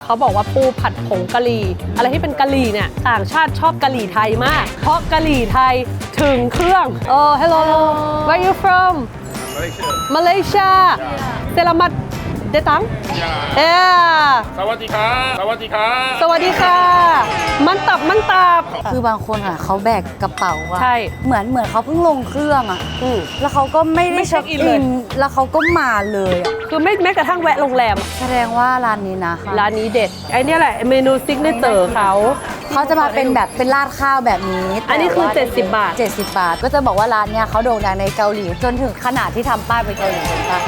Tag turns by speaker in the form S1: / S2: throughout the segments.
S1: เขาบอกว่าปูผัดผงกะหรี่อะไรที่เป็นกะหรี่เนี่ยต่างชาติชอบกะหรี่ไทยมาก เพราะกะหรี่ไทยถึงเครื่องhello where you from Malaysia Selamat datang
S2: สวัสดีครับสวัสดีครับ
S1: สวัสดีค่ะมันตับ
S3: คือบางคนอ่ะเขาแบกกระเป๋าอ่ะ
S1: ใช่
S3: เหมือนเขาเพิ่งลงเครื่องอ่ะแล้วเขาก็ไม่ได้
S1: เช็คอินเลย
S3: แล้วเขาก็มาเลยอะ
S1: คือไม่แม้กระทั่งแวะโรงแรม
S3: แสดงว่าร้านนี้นะ
S1: ร้านนี้เด็ดไอเนี่ยแหละเมนูซิกเนเจอร์เขา
S3: เขาจะมาเป็นแบบเป็นราดข้าวแบบนี้
S1: อันนี้คือ
S3: แต่ว่า
S1: 70 บาท
S3: 70 บาท ก็จะบอกว่าร้านเนี้ยเขาโด่งดังในเกาหลีจนถึงขนาดที่ทำป้ายไปเกาหลีเห็นปะ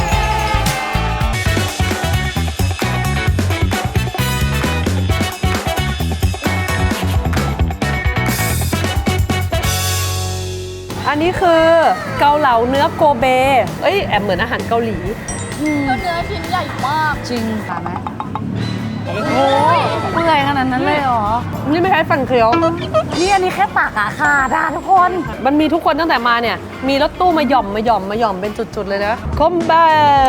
S1: อันนี้คือเกาเหลาเนื้อโกเบเอ้ยแอบเหมือนอาหารเกาหลี
S4: เนื้อชิ้นใหญ่มาก
S3: จริงค่ะไหมโอ้ยเปื่อยขนาดนั้นเลยเหรอ
S1: นี่ไม่ใช่ฟันเคี้ยว
S3: นี่อันนี้แค่ตักอะขาดอะทุกคน
S1: มันมีทุกคนตั้งแต่มาเนี่ย มีรถตู้มาหย่อมเป็นจุดๆเลยนะคอมเบ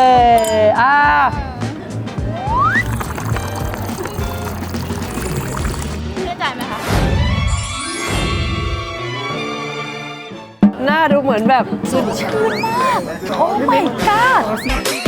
S4: ได้ใจไหมคะ
S1: หน้าดูเหมือนแบบ
S3: โอ้ my god